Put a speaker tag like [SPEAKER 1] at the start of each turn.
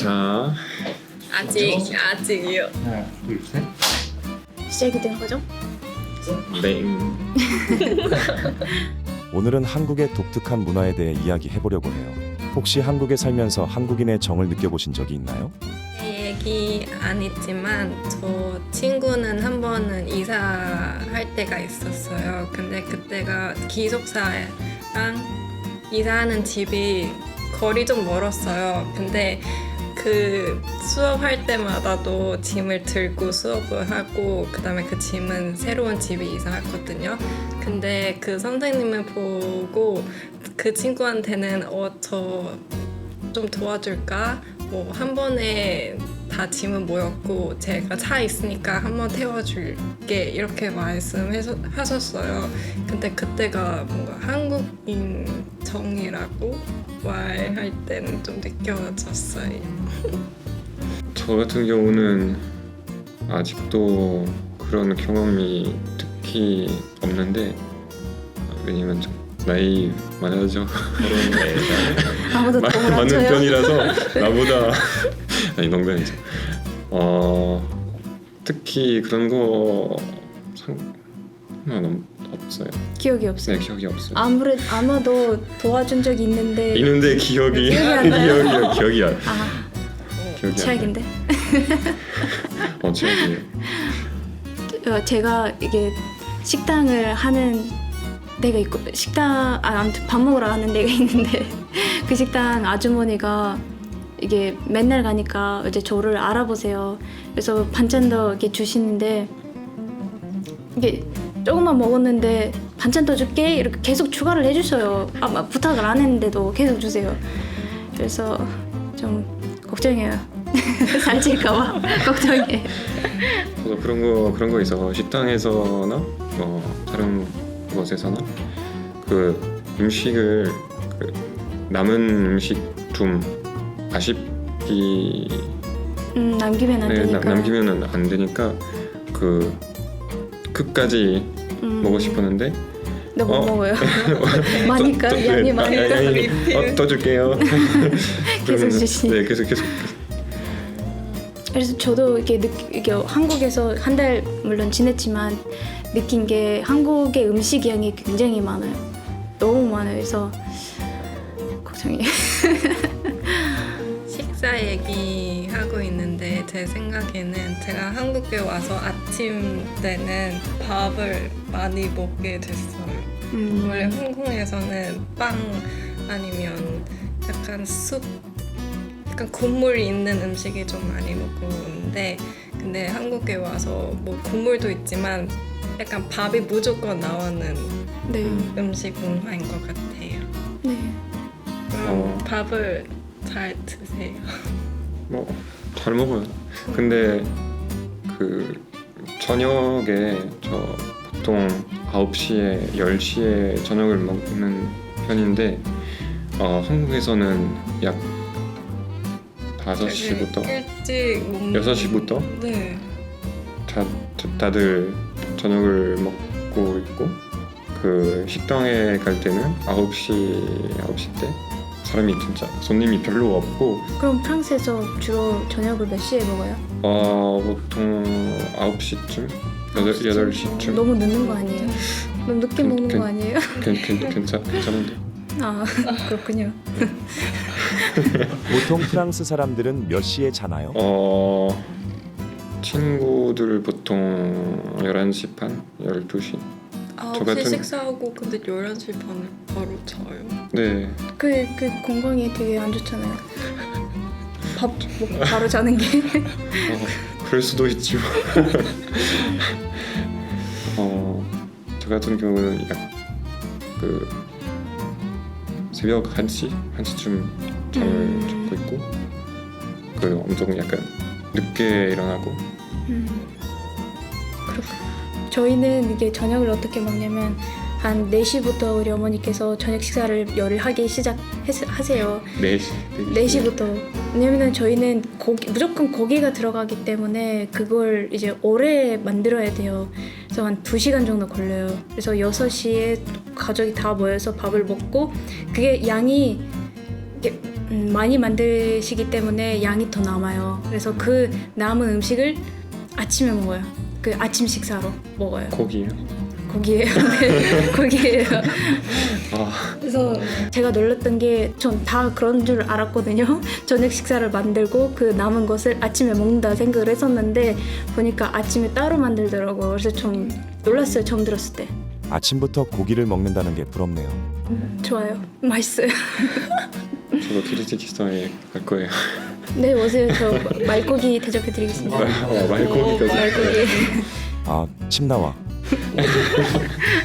[SPEAKER 1] 자,
[SPEAKER 2] 아직이요.
[SPEAKER 3] 하나, 둘, 셋.
[SPEAKER 4] 시작이 된 거죠?
[SPEAKER 1] 네.
[SPEAKER 5] 오늘은 한국의 독특한 문화에 대해 이야기해보려고 해요. 혹시 한국에 살면서 한국인의 정을 느껴보신 적이 있나요?
[SPEAKER 2] 제 얘기 안 있지만 저 친구는 한 번은 이사할 때가 있었어요. 근데 그때가 기숙사랑 이사하는 집이 거리 좀 멀었어요. 근데 그 수업할 때마다도 짐을 들고 수업을 하고 그다음에 그 짐은 새로운 집에 이사했거든요. 근데 그 선생님을 보고 그 친구한테는 저 좀 도와줄까? 뭐 한 번에 다 짐은 모였고 제가 차 있으니까 한번 태워줄게 이렇게 말씀하셨어요. 근데 그때가 뭔가 한국인 정이라고 말할 때는 좀 느껴졌어요.
[SPEAKER 1] 저 같은 경우는 아직도 그런 경험이 특히 없는데 왜냐면 좀 나이 많아져 그런
[SPEAKER 4] 아무도 더
[SPEAKER 1] 많은
[SPEAKER 4] 맞춰요?
[SPEAKER 1] 편이라서 나보다 아니 농담이죠. 특히 그런 거 상관 없어요.
[SPEAKER 4] 기억이 없어요.
[SPEAKER 1] 네, 기억이 없어요.
[SPEAKER 4] 아마도 도와준 적이 있는데
[SPEAKER 1] 있는데 기억이
[SPEAKER 4] 기억이 안 나요?
[SPEAKER 1] 기억이 안. 기억이 안
[SPEAKER 4] 최악인데.
[SPEAKER 1] 최악이에요.
[SPEAKER 4] 제가 이게 식당을 하는 데가 있고 아무튼 밥 먹으러 가는 데가 있는데 그 식당 아주머니가 이게 맨날 가니까 이제 저를 알아보세요. 그래서 반찬도 이렇게 주시는데 이게 조금만 먹었는데 반찬 더 줄게 이렇게 계속 추가를 해주셔요. 부탁을 안 했는데도 계속 주세요. 그래서 좀 걱정해요. 살찔까봐 걱정해.
[SPEAKER 1] 저도 그런 거 있어서 식당에서나 다른 곳에서나 그 음식을 남은 음식 좀 아쉽기
[SPEAKER 4] 남기면 안 되니까.
[SPEAKER 1] 남기면 안 되니까 그 끝까지 먹고 싶었는데
[SPEAKER 4] 나 못 먹어요. 많으니까 양이 많으니까
[SPEAKER 1] 더 줄게요.
[SPEAKER 4] 계속 주시.
[SPEAKER 1] 네, 계속.
[SPEAKER 4] 그래서 저도 이게 한국에서 한 달 물론 지냈지만 느낀 게 한국의 음식 양이 굉장히 많아요. 너무 많아요. 그래서 걱정이에요.
[SPEAKER 2] 식사 얘기하고 있는데 제 생각에는 제가 한국에 와서 아침 때는 밥을 많이 먹게 됐어요. 원래 홍콩에서는 빵 아니면 약간 약간 국물이 있는 음식이 좀 많이 먹었는데 근데 한국에 와서 뭐 국물도 있지만 약간 밥이 무조건 나오는
[SPEAKER 4] 네.
[SPEAKER 2] 음식 문화인 것 같아요.
[SPEAKER 4] 네.
[SPEAKER 1] 어.
[SPEAKER 2] 밥을 잘 드세요.
[SPEAKER 1] 잘 먹어요. 근데 그 저녁에 저 보통 9시에 10시에 저녁을 먹는 편인데 한국에서는 약 5시부터
[SPEAKER 2] 일찍
[SPEAKER 1] 6시부터
[SPEAKER 2] 네.
[SPEAKER 1] 다들 저녁을 먹고 있고 그 식당에 갈 때는 9시 때 사람이 진짜 손님이 별로 없고
[SPEAKER 4] 그럼 프랑스에서 주로 저녁을 몇 시에 먹어요?
[SPEAKER 1] 보통 9시쯤 8시쯤
[SPEAKER 4] 너무 늦는 거 아니에요? 너무 늦게 먹는 거 아니에요?
[SPEAKER 1] 괜찮은데
[SPEAKER 4] 그렇군요.
[SPEAKER 5] 보통 프랑스 사람들은 몇 시에 자나요?
[SPEAKER 1] 친구들 보통 11시 반, 12시
[SPEAKER 2] 9시 식사하고 근데 11시 반에 바로 자요.
[SPEAKER 1] 네.
[SPEAKER 4] 그 건강에 되게 안 좋잖아요. 밥 먹고 바로 자는 게.
[SPEAKER 1] 그럴 수도 있지만 저 같은 경우는 그 새벽 1시쯤 잠을 자고 있고 그 엄청 약간 늦게 일어나고
[SPEAKER 4] 그렇군요. 저희는 이게 저녁을 어떻게 먹냐면 한 4시부터 우리 어머니께서 저녁 식사를 하기 시작하세요. 4시부터. 왜냐면 저희는 무조건 고기가 들어가기 때문에 그걸 이제 오래 만들어야 돼요. 그래서 한 2시간 정도 걸려요. 그래서 6시에 가족이 다 모여서 밥을 먹고 그게 양이 많이 만드시기 때문에 양이 더 남아요. 그래서 그 남은 음식을 아침에 먹어요. 그 아침 식사로 먹어요.
[SPEAKER 1] 고기요?
[SPEAKER 4] 고기예요. 네, 고기예요.
[SPEAKER 1] 아,
[SPEAKER 4] 그래서 제가 놀랐던 게 전 다 그런 줄 알았거든요. 저녁 식사를 만들고 그 남은 것을 아침에 먹는다 생각을 했었는데 보니까 아침에 따로 만들더라고요. 그래서 좀 놀랐어요. 처음 들었을 때.
[SPEAKER 5] 아침부터 고기를 먹는다는 게 부럽네요.
[SPEAKER 4] 좋아요. 맛있어요.
[SPEAKER 1] 저도 키르기스탄에 갈 거예요.
[SPEAKER 4] 네, 오세요. 저 말고기 대접해드리겠습니다.
[SPEAKER 1] 말고기까지.
[SPEAKER 4] 말고기.
[SPEAKER 5] 아, 침 나와.